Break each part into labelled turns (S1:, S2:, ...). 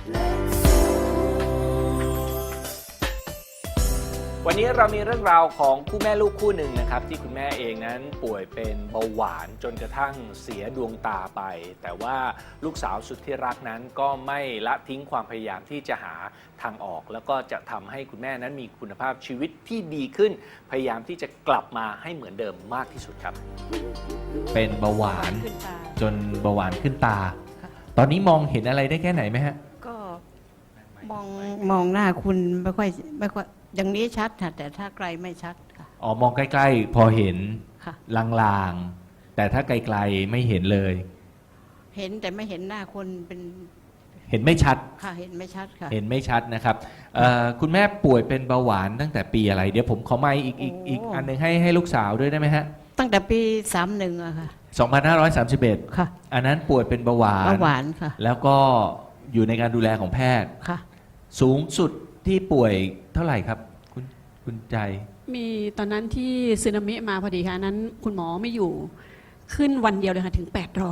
S1: วันนี้เรามีเรื่องราวของคู่แม่ลูกคู่หนึ่งนะครับที่คุณแม่เองนั้นป่วยเป็นเบาหวานจนกระทั่งเสียดวงตาไปแต่ว่าลูกสาวสุดที่รักนั้นก็ไม่ละทิ้งความพยายามที่จะหาทางออกแล้วก็จะทำให้คุณแม่นั้นมีคุณภาพชีวิตที่ดีขึ้นพยายามที่จะกลับมาให้เหมือนเดิมมากที่สุดครับเป็นเบาหวานจนเบาหวานขึ้นตาตอนนี้มองเห็นอะไรได้แค่ไหนไหมฮะ
S2: ก็มองหน้าคุณไม่ค่อยอย่างนี้ชัดค่ะแต่ถ้าไกลไม่ชัดค่ะ
S1: อ๋อมองใกล้ๆพอเห็น
S2: ค่ะ
S1: ลางๆแต่ถ้าไกลๆไม่เห็นเลย
S2: เห็นแต่ไม่เห็นหน้าคนเป็น
S1: เห็นไม่ชัด
S2: ค่ะเห็นไม่ชัดค่ะ
S1: เห็นไม่ชัดนะครับคุณแม่ป่วยเป็นเบาหวานตั้งแต่ปีอะไรเดี๋ยวผมขอไมค์อีกอันหนึ่งให้ลูกสาวด้วยได้ไหมฮะ
S2: ตั้งแต่ปี31อะค่ะ
S1: 2531
S2: ค่ะ
S1: อันนั้นป่วยเป็นเบาหวาน
S2: ค่ะ
S1: แล้วก็อยู่ในการดูแลของแพทย์
S2: ค่ะ
S1: สูงสุดที่ป่วยเท่าไหร่ครับคุณใจ
S3: มีตอนนั้นที่สึนามิมาพอดีค่ะนั้นคุณหมอไม่อยู่ขึ้นวันเดียวเลยค่ะถึง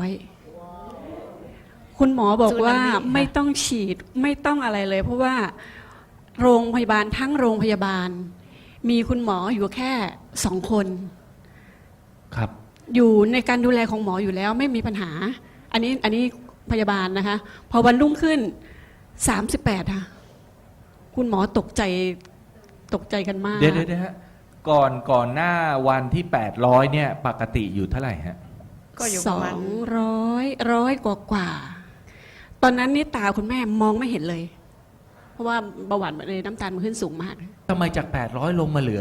S3: 800คุณหมอบอกว่าไม่ต้องฉีดไม่ต้องอะไรเลยเพราะว่าโรงพยาบาลทั้งโรงพยาบาลมีคุณหมออยู่แค่2 คน
S1: ครับ
S3: อยู่ในการดูแลของหมออยู่แล้วไม่มีปัญหาอันนี้พยาบาลนะคะพอวันรุ่งขึ้น38ค่ะคุณหมอตกใจกันมาก
S1: เดี๋ยวฮะก่อนหน้าวันที่800เนี่ยปกติอยู่เท่าไหร่ฮะ
S2: ก็อยู่ประมาณ
S3: 200กว่าตอนนั้นนี่ตาคุณแม่มองไม่เห็นเลยเพราะว่าเบาหวานในน้ำตาลมันขึ้นสูงมาก
S1: ทำไมจาก800ลงมาเหลือ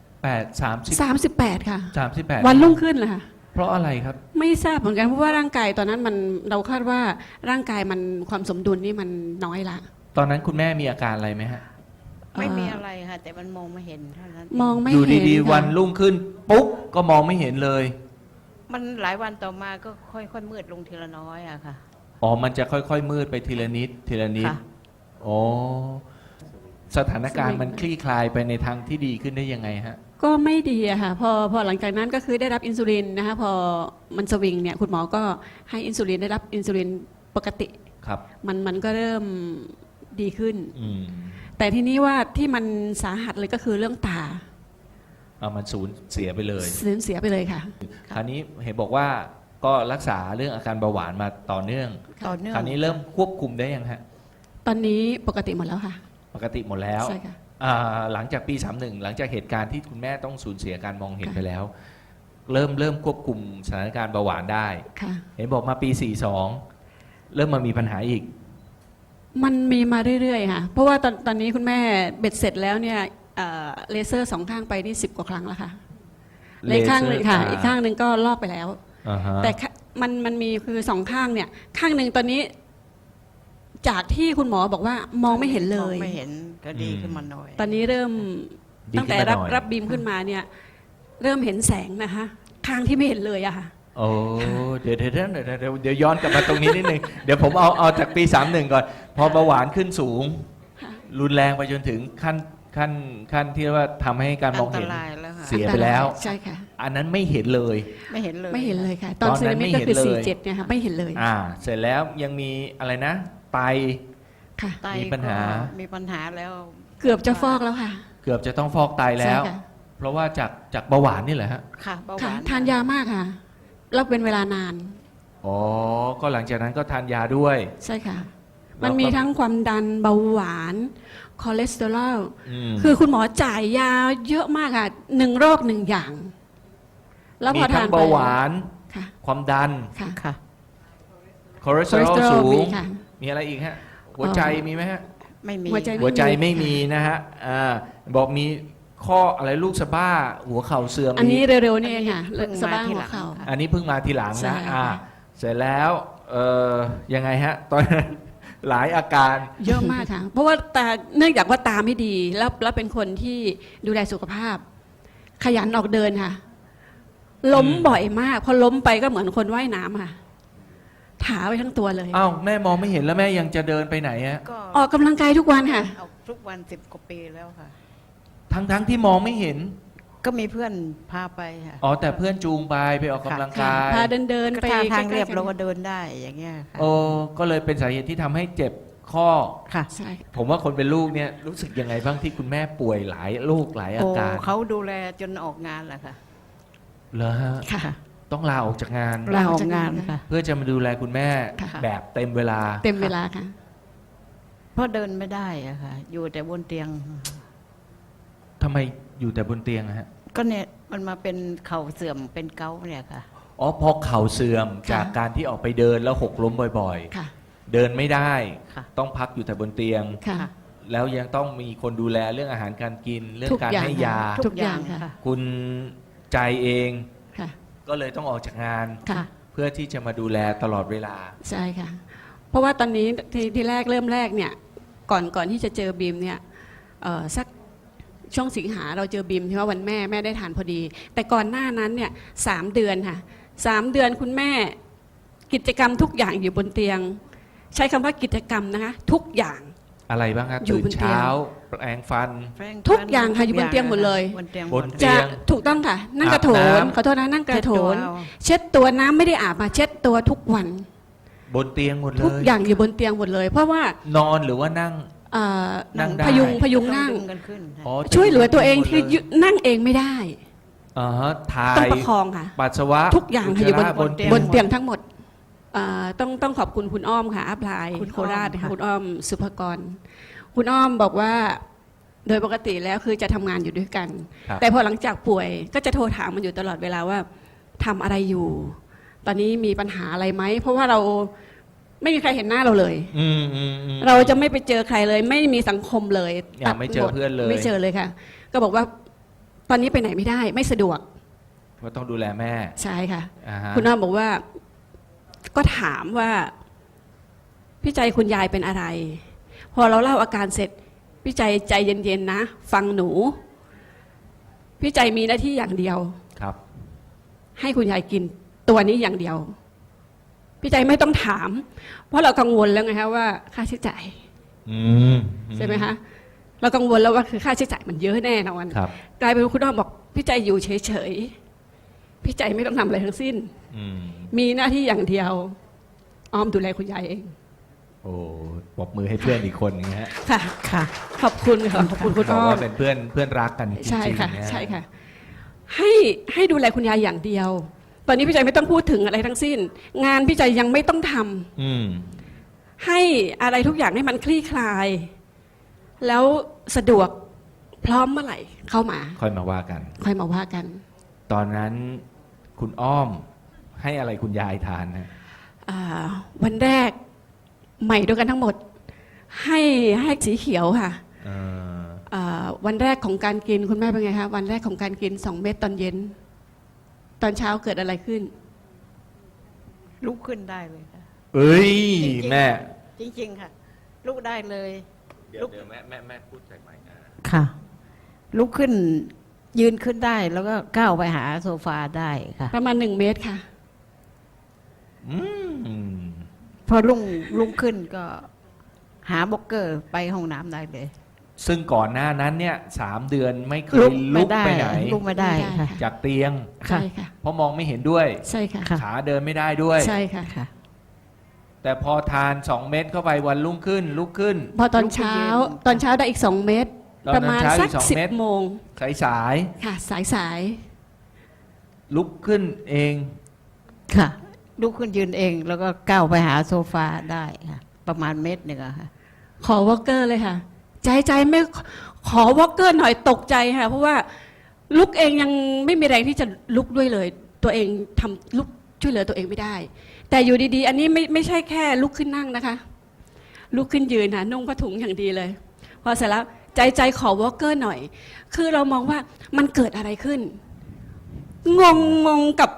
S3: 38ค่ะ
S1: 38
S3: วันรุ่งขึ้นเลยค่ะ
S1: เพราะอะไรครับ
S3: ไม่ทราบเหมือนกันเพราะว่าร่างกายตอนนั้นเราคาดว่าร่างกายมันความสมดุลนี่มันน้อยละ
S1: ตอนนั้นคุณแม่มีอาการอะไรไหมฮะ
S2: ไม่มีอะไรค่ะแต่มันมองไม่เห็นเท่านั้น
S3: มองไม่
S1: อยู่
S3: เห็น
S1: ดีๆวันรุ่งขึ้นปุ๊บก็มองไม่เห็นเลย
S2: มันหลายวันต่อมาก็ค่อยๆมืดลงทีละน้อยอะค่ะ
S1: อ๋อมันจะค่อยๆมืดไปทีละนิดอ๋อสถานการณ์มันคลี่คลายไปในทางที่ดีขึ้นได้ยังไงฮะ
S3: ก็ไม่ดีอะค่ะพอหลังจากนั้นก็คือได้รับอินซูลินนะคะพอมันสวิงเนี่ยคุณหมอก็ให้อินซูลินได้รับอินซูลินปกติ
S1: ครับ
S3: มันก็เริ่มดีขึ้นแต่ทีนี้ว่าที่มันสาหัสเลยก็คือเรื่องตา
S1: มันสูญเสียไปเลย
S3: เสียไปเลยค่ะ
S1: คราวนี้เห็นบอกว่าก็รักษาเรื่องอาการเบาหวานมาต่อเนื่องคราวนี้เริ่มควบคุมได้ยังฮะ
S3: ตอนนี้ปกติหมดแล้วค่ะ
S1: ปกติหมดแล้ว
S3: ใช่ค่ะ
S1: หลังจากปี31หลังจากเหตุการณ์ที่คุณแม่ต้องสูญเสียการมองเห็นไปแล้วเริ่มควบคุมสถานการณ์เบาหวานได้เห็นบอกมาปี42เริ่มมามีปัญหาอีก
S3: มันมีมาเรื่อยๆค่ะเพราะว่าตอนนี้คุณแม่เบ็ดเสร็จแล้วเนี่ยเลเซอร์2 ข้างไปนี่10 กว่าครั้งแล้วค่ะเลข้างหนึ่งค่ะอีกข้างหนึ่งก็ลอกไปแล้วแต่มันมีคือ2 ข้างเนี่ยข้างหนึ่งตอนนี้จากที่คุณหมอบอกว่ามองไม่เห็นเลย
S2: ไม่เห็นก็ดีขึ้นมาหน่อย
S3: ตอนนี้เริ่มตั้งแต่รับบีมขึ้นมาเนี่ยเริ่มเห็นแสงนะคะข้างที่ไม่เห็นเลยอะค่ะ
S1: โอ้เดี๋ยวย้อนกลับมาตรงนี้นิดนึงเดี๋ยวผมเอาจากปี31ก่อนพอเบาหวานขึ้นสูงรุนแรงไปจนถึงขั้นที่ว่าทำให้การมองเห็นเสียไปแล้ว
S3: ใช่ค่ะ
S1: อันนั้นไม่เห็นเลย
S2: ไม่เห็นเลย
S3: ค่ะตอนสึนามิก็คือ47เนี่ยค่ะไม่เห็นเลย
S1: เสร็จแล้วยังมีอะไรนะไต
S3: ค่ะ
S1: มีปัญห
S2: าแล้ว
S3: เกือบจะฟอกแล้วค่ะ
S1: เกือบจะต้องฟอกไตแล้วเพราะว่าจากเบาหวานนี่แหละฮะ
S2: ค่ะเบาหวาน
S3: ทานยามากค่ะแล้วเป็นเวลานาน
S1: อ๋อก็หลังจากนั้นก็ทานยาด้วย
S3: ใช่ค่ะมันมีทั้งความดันเบาหวานคอเลสเตอรอลคือคุณหมอจ่ายยาเยอะมากค่ะ1 โรค 1 อย่าง
S1: แล้วพอทานเบาหวานความดัน
S3: ค่ะ
S1: คอเลสเตอรอลสูงมีอะไรอีกฮะหัวใจมีไหมฮะ
S2: ไม่มี
S1: หัวใจไม่มีนะฮะบอกมีข้ออะไรลูกสะบ้าหัวเข่าเสื่อม
S3: อันนี้เร็วๆนี่เองค่ะสะบ้าหัวเข่า
S1: อันนี้เพิ่งมาทีหลังนะเสร็จแล้วยังไงฮะตอนนั้นหลายอาการ
S3: เยอะมากค่ะเพราะว่าตาเนื่องจากว่าตาไม่ดีแล้วเป็นคนที่ดูแลสุขภาพขยันออกเดินค่ะล้มบ่อยมากพอล้มไปก็เหมือนคนว่ายน้ำค่ะถาไปทั้งตัวเลย
S1: อ้าวแม่มองไม่เห็นแล้วแม่ยังจะเดินไปไหนฮะ
S3: ออกกำลังกายทุกวันค่ะ
S2: ทุกวัน10 กว่าปีแล้วค่ะ
S1: ทั้งที่มองไม่เห็น
S2: ก็มีเพื่อนพาไปค่ะ
S1: แต่เพื่อนจูงไปออกกำลังกาย
S3: พาเดินไป
S2: ทางเรียบเราก็เดินได้อย่างเงี้ยค่ะ
S1: ก็เลยเป็นสาเหตุที่ทำให้เจ็บ
S4: ข้อ
S2: ค่ะ
S3: ใช่
S4: ผมว่าคนเป็นลูกเนี่ยรู้สึกยังไงบ้างที่คุณแม่ป่วยหลายโรคหลายอา
S2: โอ้
S4: การ
S2: เขาดูแลจนออกงานแหละค่ะ
S4: เหรอฮะ
S3: ค่ะ
S4: ต้องลาออกจากงาน
S2: ลาออกงานค่ะ
S4: เพื่อจะมาดูแลคุณแม่
S3: ค่ะ
S4: แบบเต็มเวลา
S3: เต็มเวลาค่ะ
S2: เพราะเดินไม่ได้อะค่ะ อยู่แต่บนเตียง
S4: ทำไมอยู่แต่บนเตียงอะฮะ
S2: ก็เนี่ยมันมาเป็นเข่าเสื่อมเป็นเกาต์เนี่ยค่ะ
S4: อ๋อพอเข่าเสื่อม
S3: ค่ะ
S4: จากการที่ออกไปเดินแล้วหกล้มบ่อย
S3: ค่ะ
S4: ๆ เดินไม่ได้
S2: ค่ะ
S4: ต้องพักอยู่แต่บนเตียง
S3: ค่ะ
S4: แล้วยังต้องมีคนดูแลเรื่องอาหารการกิน เรื่อง
S3: ทุก
S4: การ
S3: อย่าง
S4: ให้ยา
S3: ทุกอย่างค่ะ
S4: คุณใจเอง
S3: ค่ะ
S4: ก็เลยต้องออกจากงาน
S3: ค่ะ
S4: เพื่อที่จะมาดูแลตลอดเวลา
S3: ใช่ค่ะ เพราะว่าตอนนี้ที่แรกเริ่มแรกเนี่ยก่อนที่จะเจอบีมเนี่ยสักช่วงสิงหาเราเจอบีมที่ว่าวันแม่ได้ทานพอดี แต่ก่อนหน้านั้นเนี่ย3 เดือนค่ะ3 เดือนคุณแม่กิจกรรมทุกอย่างอยู่บนเตียง ใช้คำว่ากิจกรรมนะคะทุกอย่าง
S4: อะไรบ้างครับ
S3: อยู่
S4: ตื่
S3: บ
S4: น
S3: นเตียง
S4: เช้าแปรงฟัน
S3: ทุกอย่างค่ะอยู่บนเตียงหมดเลย
S2: บนเตียง
S4: บน
S2: หมด
S4: เตี
S3: จะ
S4: ยง
S3: ถูกต้องค่ะ นั่งกระโถ
S4: อาบ
S3: น
S4: น้ำ
S3: ขอโทษนะนั่งกระโถน
S2: เช็ดตัวเอา
S3: เช็ดตัวน้ำไม่ได้อาบมาเช็ดตัวทุกวัน
S4: บนเตียงหมดเล
S3: ทุก
S4: ย
S3: อย่างอยู่บนเตียงหมดเลย เพราะว่าน
S4: อนหรือว่านั่ง
S3: เอ่อ
S4: นั่งได้
S3: พยุงนั่ง
S2: ต้องดึกันขึ้นค่ะ
S4: อ๋อ
S3: ช่วยเหลือตัวเอง
S4: หมด
S3: คือ
S4: เลย
S3: นั่งเองไม่ได้
S4: อ่าฮะถ่า
S3: ต้อง
S4: ย
S3: ประคองค่ะ
S4: ปัสสาวะ
S3: ทุกอย่างค่ะอยู่บน
S4: อุจจาระบนเตียง
S3: บนเตียงทั้งหมดต้องขอบคุณคุณอ้อมค่ะอัพไลน์
S2: คุณ
S3: โคราช
S2: อ้อม
S3: ค่ะ
S2: ค่ะ
S3: คุณอ้อมสุภกร คุณอ้อมบอกว่าโดยปกติแล้วคือจะทำงานอยู่ด้วยกัน
S4: ครับ
S3: แต่พอหลังจากป่วยก็จะโทรถามมันอยู่ตลอดเวลาว่าทำอะไรอยู่ ตอนนี้มีปัญหาอะไรไหมเพราะว่าเราไม่มีใครเห็นหน้าเราเลย
S4: อืม
S3: เราจะไม่ไปเจอใครเลย ไม่มีสังคมเลย
S4: อย่าไม่เจอ
S3: ตัดหด
S4: เพื่อนเลย
S3: ไม่เจอเลยค่ะ ก็บอกว่าตอนนี้ไปไหนไม่ได้ ไม่สะดวก
S4: ว่าต้องดูแลแม่
S3: ใช่ค่ะ
S4: อ่าฮะ
S3: คุณอ้อมบอกว่าก็ถามว่าพี่ใจคุณยายเป็นอะไร พอเราเล่าอาการเสร็จพี่ใจใจเย็นๆนะฟังหนูพี่ใจมีหน้าที่อย่างเดียว
S4: ครับ
S3: ให้คุณยายกินตัวนี้อย่างเดียว พี่ใจไม่ต้องถาม เพราะเรากังวลแล้วไงคะว่าค่าใช้จ่าย
S4: อืม
S3: ใช่ไหมคะเรากังวลแล้วว่าคือค่าใช้จ่ายมันเยอะแน่นอน
S4: ครับ
S3: กลายเป็นว่าคุณอ้อมบอกพี่ใจอยู่เฉยๆพี่ใจไม่ต้องทำอะไรทั้งสิ้น
S4: อืม
S3: มีหน้าที่อย่างเดียวอ้อมดูแลคุณยายเอง
S4: โอ้ปรบมือให้เพื่อนอีกคนนึงฮะ
S3: ค่ะ
S2: ค่ะ
S3: ขอบคุณค่ะขอบคุณคุณ
S4: บอก
S3: อ้อม
S4: ว่าเป็นเพื่อนรักกันจริงๆ
S3: ใช่ค่ะ
S4: นฮ
S3: ใช่ค่ะให้ดูแลคุณยายอย่างเดียว ตอนนี้พี่ใจไม่ต้องพูดถึงอะไรทั้งสิ้น งานพี่ใจยังไม่ต้องทำ
S4: อืม
S3: ให้อะไรทุกอย่างให้มันคลี่คลาย แล้วสะดวกพร้อมเมื่อไหร่เข้ามา
S4: ค่อยมาว่ากัน
S3: ค่อยมาว่ากัน
S4: ตอนนั้นคุณอ้อมให้อะไรคุณยายทานนะ
S3: วันแรกใหม่ด้วยกันทั้งหมด ให้สีเขียวค่ะ
S4: เออ
S3: วันแรกของการกินคุณแม่เป็นไงคะวันแรกของการกิน2 เม็ดตอนเย็น ตอนเช้าเกิดอะไรขึ้น
S2: ลุกขึ้นได้เลยค่ะ
S4: เอ้ย
S2: จริงๆ
S4: แม่
S2: จริงๆค่ะ ลุกได้เลย
S4: เดี๋ยวแม่พูดใส่ไมค์นะ
S2: ค่ะ ลุกขึ้นยืนขึ้นได้แล้วก็ก้าวไปหาโซฟาได้ค่ะ
S3: ประมาณ1 เมตรค่ะ
S4: อืม
S2: พอลุกขึ้นก็หาบล็อกเกอร์ไปห้องน้ำได้เลย
S4: ซึ่งก่อนหน้านั้นเนี่ย3 เดือนไม่เคยลุกไปไหน
S2: ลุกไม่ได้
S3: ไม่ได้
S2: ค่ะ
S3: ค่ะ
S4: จากเตียง
S3: ใช่ค่ะ
S4: เพราะมองไม่เห็นด้วย
S3: ใช่ค่ะ
S2: ค่ะ
S4: ขาเดินไม่ได้ด้วย
S3: ใช่ค่ะ
S2: ค่ะ
S4: แต่พอทาน2 เม็ดเข้าไปวันรุ่งขึ้น ลุกขึ้น
S3: พอตอนเช้า
S2: ลุกขึ้นยืน
S3: ตอนเช้าได้อีก2 เมตร
S4: ตอน
S3: ประมาณ
S4: เช้าอี
S3: สัก
S4: ก2 เม็ด
S3: 10 โมง
S4: สาย
S3: ค่ะ สาย
S4: ลุกขึ้นเอง
S2: ค่ะ ลุกขึ้นยืนเองแล้วก็ก้าวไปหาโซฟาได้ค่ะ ประมาณเมตรหนึ่งอะค่ะ
S3: ขอวอลเกอร์เลยค่ะ ใจไม่ขอวอลเกอร์หน่อยตกใจค่ะ เพราะว่าลุกเองยังไม่มีแรงที่จะลุกด้วยเลย ตัวเองทำลุกช่วยเหลือตัวเองไม่ได้ แต่อยู่ดีๆ อันนี้ไม่ใช่แค่ลุกขึ้นนั่งนะคะ ลุกขึ้นยืนค่ะนุ่งผ้าถุงอย่างดีเลย พอเสร็จแล้วใจขอวอลเกอร์หน่อย คือเรามองว่ามันเกิดอะไรขึ้น งงกับ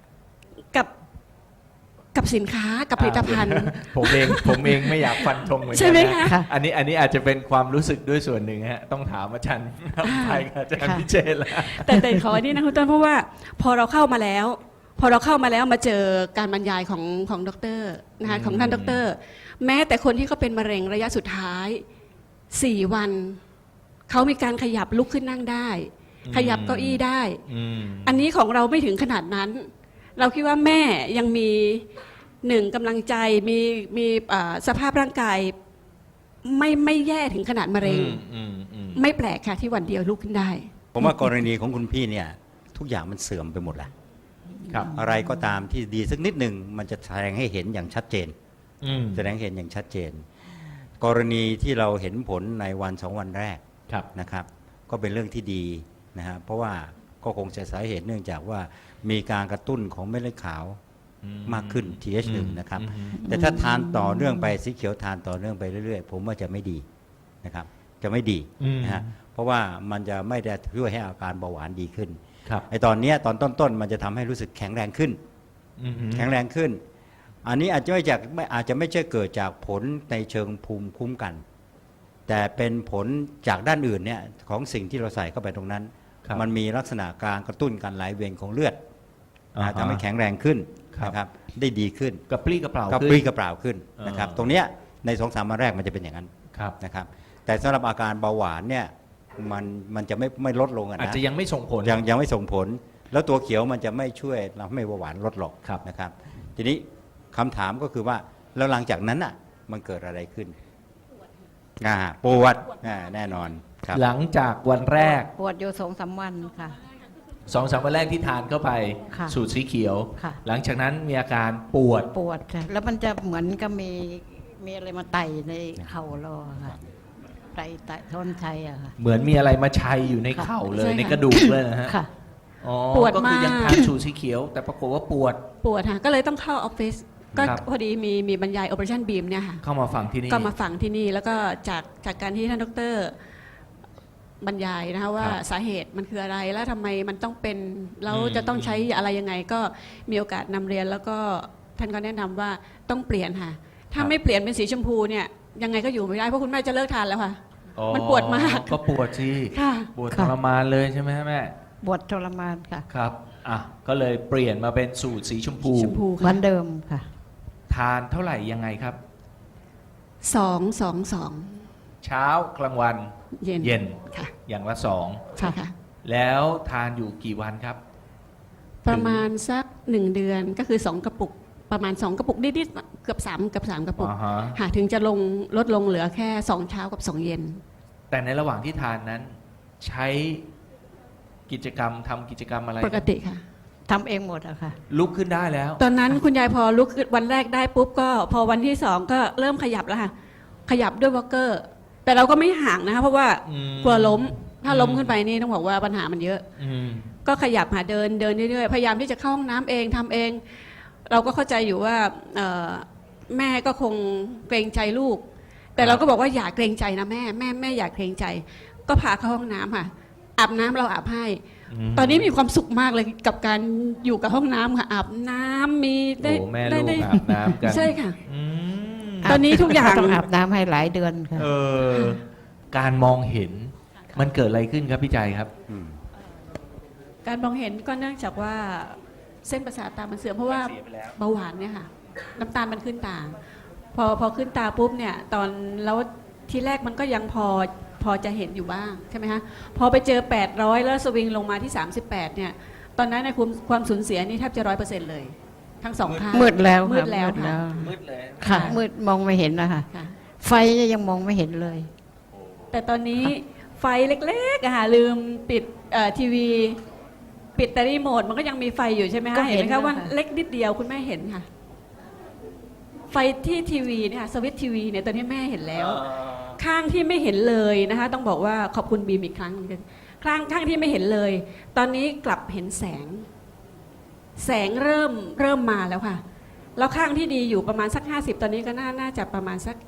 S3: สินค้ากับผลิตภัณฑ์
S4: ผมเองไม่อยากฟันธงเหมือนกั
S3: ใช่ไหม
S4: นะ
S3: คะ
S4: อันนี้อาจจะเป็นความรู้สึกด้วยส่วนหนึ่งฮะต้องถามอาจารย์ไปกับอาจารย์
S2: ค่ะ
S4: พิเชษละ
S3: แต่ขออันนี้นะคุณต้นเพราะว่าพอเราเข้ามาแล้วมาเจอการบรรยายของดรนะคะของท่านดร แม้แต่คนที่เขาเป็นมะเร็งระยะสุดท้าย4 วันเขามีการขยับลุกขึ้นนั่งได้ ขยับเก้าอี้ได้
S4: อืม
S3: อันนี้ของเราไม่ถึงขนาดนั้น เราคิดว่าแม่ยังมี1กำลังใจมีสภาพร่างกายไม่แย่ถึงขนาดมะเร็ง ไม่แปลกค่ะที่วันเดียวลุกขึ้นได้
S5: ผมว่ากรณีของคุณพี่เนี่ยทุกอย่างมันเสื่อมไปหมดแล้ว
S4: ครับ
S5: อะไรก็ตามที่ดีสักนิดหนึ่งมันจะแสดงให้เห็นอย่างชัดเจน
S4: อืม
S5: แสดงให้เห็นอย่างชัดเจน กรณีที่เราเห็นผลในวัน2 วันแรก
S4: ครับ
S5: นะครับก็เป็นเรื่องที่ดีนะฮะเพราะว่าก็คงจะสาเหตุเนื่องจากว่ามีการกระตุ้นของเม็ดเลือดขาวมากขึ้น TH1 นะครับแต่ถ้าทานต่อเนื่องไปสีเขียวทานต่อเนื่องไปเรื่อยๆผมว่าจะไม่ดีนะครับจะไม่ดีนะฮะเพราะว่ามันจะไม่ได้ช่วยให้อาการเบาหวานดีขึ้น
S4: ครับ
S5: ไอตอนเนี้ยตอนต้นๆมันจะทำให้รู้สึกแข็งแรงขึ้น แข็งแรงขึ้น อันนี้อาจจะไม่ใช่เกิดจากผลในเชิงภูมิคุ้มกัน แต่เป็นผลจากด้านอื่นเนี่ยของสิ่งที่เราใส่เข้าไปตรงนั้น
S4: ครับ
S5: มันมีลักษณะการกระตุ้นการไหลเวียนของเลือด
S4: อ่าฮะ
S5: ทำให้แข็งแรงขึ้น
S4: ครับ
S5: นะครับได้ดีขึ้น
S4: กระปรี้กระเปร่าก
S5: ระ
S4: ขึ้น
S5: ปรี้กระเปร่าขึ้นนะครับ
S4: อ่า
S5: ตรงเนี้ยใน2-3 วันแรกมันจะเป็นอย่างนั้น
S4: ครับ
S5: นะครับแต่สำหรับอาการเบาหวานเนี่ยมันจะไม่ลดลงอะ
S4: อาจ
S5: นะ
S4: จะยังไม่ส่งผล
S5: ยังไม่ส่งผล แล้วตัวเขียวมันจะไม่ช่วยเราให้เบาหวานลดหรอก
S4: ครับ
S5: นะครับ ทีนี้คำถามก็คือว่าแล้วหลังจากนั้นอ่ะมันเกิดอะไรขึ้นปวดแน่นอนครับ
S4: หลังจากวันแรก
S2: ปวดอยู่2-3 วันค่ะ
S4: 2-3 วันแรกที่ทานเข้าไป
S2: ค่ะ
S4: สูตรสีเขียว
S2: ค่ะ
S4: หลังจากนั้นมีอาการปวด
S2: ปวดค่ะแล้วมันจะเหมือนกับมีอะไรมาไต่ในเข่าเราอะค่ะไต่ท่อนชัยอะค่ะ
S4: เหมือนมีอะไรมาชัยอยู่ในเข่าเลย
S3: ใช่ค่ะ
S4: ในกระดูกเลยนะฮะ
S2: ค่ะ
S4: อ๋อ
S3: ปวด
S4: ก็คือยัง
S3: มาก
S4: ทานสูตรสีเขียว แต่ปรากฏว่าปวด
S3: ปวดค่ะก็เลยต้องเข้าออฟฟิศก็
S4: ครับ
S3: พอดีมีบรรยาย Operation Beam เนี่ยค่ะ
S4: เข้ามาฟังที่นี่
S3: ก็มาฝังที่นี่แล้วก็จากการที่ท่านดรบรรยายนะคะว่า
S4: ครับ
S3: สาเหตุมันคืออะไรแล้วทำไมมันต้องเป็นแล้วจะต้องใช้อะไรยังไงก็มีโอกาสนำเรียนแล้วก็ท่านก็แนะนำว่าต้องเปลี่ยนค่ะ ถ้าไม่เปลี่ยนเป็นสีชมพูเนี่ยยังไงก็อยู่ไม่ได้เพราะคุณแม่จะเลิกทานแล้วค่ะ
S4: อ๋อ
S3: มันปวดมาก
S4: ก็ปวดสิ
S3: ค่ะ
S4: ปวดท
S2: ค่ะ
S4: รมานเลยใช่ไหมฮะแม่
S2: ปวดทรมานค่ะ
S4: ครับอ่ะก็เลยเปลี่ยนมาเป็นสูตรสีชมพู
S3: ชมพู
S2: เหมื
S3: ค่ะ
S2: อนเดิมค่ะ
S4: ทานเท่าไหร่ยังไงครับ
S3: 2
S4: เช้ากลางวัน
S3: เย็น
S4: เย็น
S3: ค่ะ
S4: อย่างละ2
S3: ใช่ค่ะ
S4: แล้วทานอยู่กี่วันครับ
S3: ประมาณสัก1 เดือนก็คือ2 กระปุกประมาณ2 กระปุกนิดๆเกือบ3กระปุก
S4: อ่าฮะ
S3: ค่ะถึงจะลดลงเหลือแค่2 เช้ากับ 2 เย็น
S4: แต่ในระหว่างที่ทานนั้น ใช้กิจกรรมทำกิจกรรมอะไร
S3: ปกติค่ะ
S2: ทำเองหมดอะค่ะ
S4: ลุกขึ้นได้แล้ว
S3: ตอนนั้นคุณยายพอลุกขึ้นวันแรกได้ปุ๊บก็พอวันที่2ก็เริ่มขยับแล้วค่ะ ขยับด้วยวอลเกอร์ แต่เราก็ไม่ห่างนะคะเพราะว่า
S4: อืม
S3: กลัวล้ม ถ้าล้มขึ้นไปนี่ต้องบอกว่าปัญหามันเยอะ
S4: อืม
S3: ก็ขยับหาเดินเรื่อยๆพยายามที่จะเข้าห้องน้ำเองทำเอง เราก็เข้าใจอยู่ว่าแม่ก็คงเกรงใจลูก แต่เราก็บอกว่าอย่าเกรงใจนะแม่อย่าเกรงใจ ก็พาเข้าห้องน้ำค่ะอาบน้ำเราอาบให้ ตอนนี้มีความสุขมากเลยกับการอยู่กับห้องน้ำค่ะอาบน้ำมีได้
S4: โอ้แม่
S3: ได้
S4: ลูก
S3: ได้
S4: อาบน้ำกัน
S3: ใช่ค่ะ
S4: อืม
S3: ตอนนี้ทุกอย่าง
S2: ต้องอาบน้ำให้หลายเดือนค่ะ
S4: เออการมองเห็นมันเกิดอะไรขึ้นครับพี่ใจครับ
S3: การมองเห็นก็เนื่องจากว่าเส้นประสาทตามันเสื่อมเพราะว่า
S4: เสียไปแล้ว
S3: เบาหวานเนี่ยค่ะน้ำตาลมันขึ้นตา พอขึ้นตาปุ๊บเนี่ยตอนแล้วทีแรกมันก็ยังพอจะเห็นอยู่บ้างใช่ไหมคะพอไปเจอ 800 แล้วสวิงลงมาที่ 38เนี่ยตอนนั้นในความสูญเสียนี่แทบจะ 100%เลย ทั้งสองข้าง
S2: มืดแล้ว
S3: มื
S2: ค่ะ
S3: ดแล้วค่ะ
S4: มืดเลย
S2: ค่ะ
S3: ค่ะ
S2: มืดมองไม่เห็นนะคะ
S3: ค่ะ
S2: ไฟยังมองไม่เห็นเลย
S3: แต่ตอนนี้ไฟเล็กๆอะค่ะลืมปิดทีวี ปิดแต่รีโมทมันก็ยังมีไฟอยู่ใช่ไหม
S2: ก็
S3: คะ
S2: เห็
S3: เห็น
S2: น
S3: ไหมคะ
S2: นะคะ
S3: ว่าเล็กนิดเดียวคุณแม่เห็นค่ะ ไฟที่ทีวีเนี่ยค่ะสวิตช์ทีวีเนี่ยตอนนี้แม่เห็นแล้ว ข้างที่ไม่เห็นเลยนะคะ ต้องบอกว่าขอบคุณบีมอีกครั้งข้างที่ไม่เห็นเลย ตอนนี้กลับเห็นแสงเริ่มมาแล้วค่ะ แล้วข้างที่ดีอยู่ประมาณสัก50ตอนนี้ก็น่าจะประมาณสัก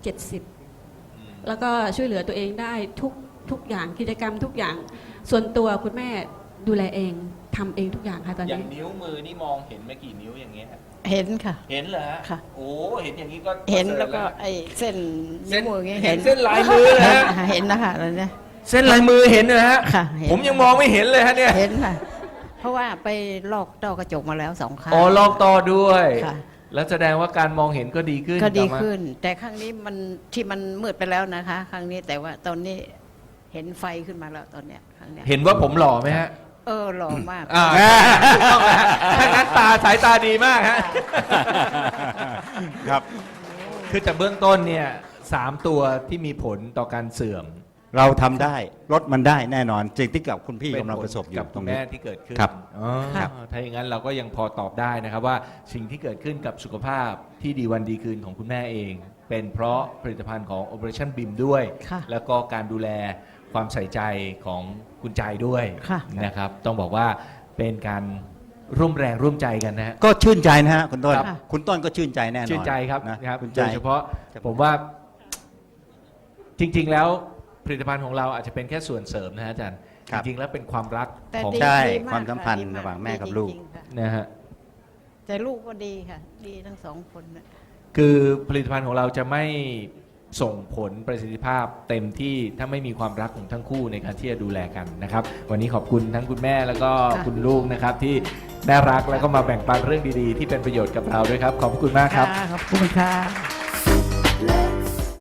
S3: 70แล้วก็ช่วยเหลือตัวเองได้ทุกอย่างกิจกรรมทุกอย่าง ส่วนตัวคุณแม่ดูแลเองทำเองทุกอย่างค่ะตอน
S4: อย่าง
S3: นี้
S4: นิ้วมือนี่มองเห็นไม่กี่นิ้วอย่างเงี้ยฮะ
S2: เห็นค่ะ
S4: เห็นเหรอฮะ
S2: ค่ะ
S4: โอ้เห็นอย่างนี้ก็
S2: เห็น
S4: ประสริฐ
S2: แล้วก็ไอ้เส้นนิ้วมืออย่างเงี้ย
S4: เห็นเส้นลายมือเลยฮะ
S2: เห็นนะคะแล้วเนี่ย
S4: เส้นลายมือเห็นนะฮะ
S2: ค่ะเห็น
S4: ผมยังมองไม่เห็นเลยฮะเนี่ย
S2: เห็นค่ะ เพราะว่าไปลอกต้อกระจกมาแล้ว2 ครั้ง
S4: อ๋อลอกต่อด้วย
S2: ค่ะ
S4: แล้วแสดงว่าการมองเห็นก็ดีขึ้น
S2: ก็ดี
S4: กลับมา
S2: ขึ้น แต่ครั้งนี้มันที่มันมืดไปแล้วนะคะ ครั้งนี้แต่ว่าตอนนี้เห็นไฟขึ้นมาแล้วตอนเนี้ยครั้งเนี้ย
S4: เห็นว่าผมหล่อไหมฮะ
S2: หล่อมาก
S4: ถูกต้องแล้วฮะถ้างั้นสายตาดีมากฮะ
S5: ครับ
S4: คือแต่เบื้องต้นเนี่ย 3 ตัวที่มีผลต่อการเสื่อม
S5: เราทำได้ลดมันได้แน่นอนจริงที่กับคุณพี่กำลังประสบอยู่
S4: กับ
S5: ต
S4: คุ
S5: ร
S4: ณ
S5: งนี้
S4: แม่ที่เกิดขึ้น
S5: ครับ
S4: อ๋อ
S5: ครับ
S4: ถ้าอย่างนั้นเราก็ยังพอตอบได้นะครับว่าสิ่งที่เกิดขึ้นกับสุขภาพที่ดีวันดีคืนของคุณแม่เอง เป็นเพราะผลิตภัณฑ์ของ Operation BIM ด้วย
S2: ค่ะ
S4: แล้วก็การดูแลความใส่ใจของคุณใจด้วย
S2: ค่ะ
S4: นะครับ ต้องบอกว่าเป็นการร่วมแรงร่วมใจกันนะฮะ
S5: ก็ชื่นใจนะฮะคุณต้น
S4: ครับ
S5: คุณต้นก็ชื่นใจแน่นอน
S4: ชื่นใจครับ
S5: นะครับ คุณ
S4: โด
S5: ใจ
S4: ยเฉพาะผมว่าจริง ๆ แล้วผลิตภัณฑ์ของเราอาจจะเป็นแค่ส่วนเสริมนะฮะอาจารย์
S5: ครับ
S4: จริง ๆ แล้วเป็นความรัก
S2: แต่
S4: ของ
S2: ดี
S5: ใช่
S2: ดีก
S5: ความสัมพันธ์
S2: ดีก
S5: ระหว่างแม่กับ
S2: ดี
S5: ลูก
S2: จริงๆค่ะ
S4: นะฮะ
S2: แต่ลูกก็ดีค่ะ ดีทั้งสองคนน่ะ
S4: คือผลิตภัณฑ์ของเราจะไม่ส่งผลประสิทธิภาพเต็มที่ถ้าไม่มีความรักของทั้งคู่ในการที่จะดูแลกันนะครับ วันนี้ขอบคุณทั้งคุณแม่แล้วก็คุณลูกนะครับ ที่น่ารักแล้วก็มาแบ่งปันเรื่องดีๆ ที่เป็นประโยชน์กับเราด้วยครับ ขอบคุณมากครับ
S2: ขอบคุณค่ะ
S6: Let's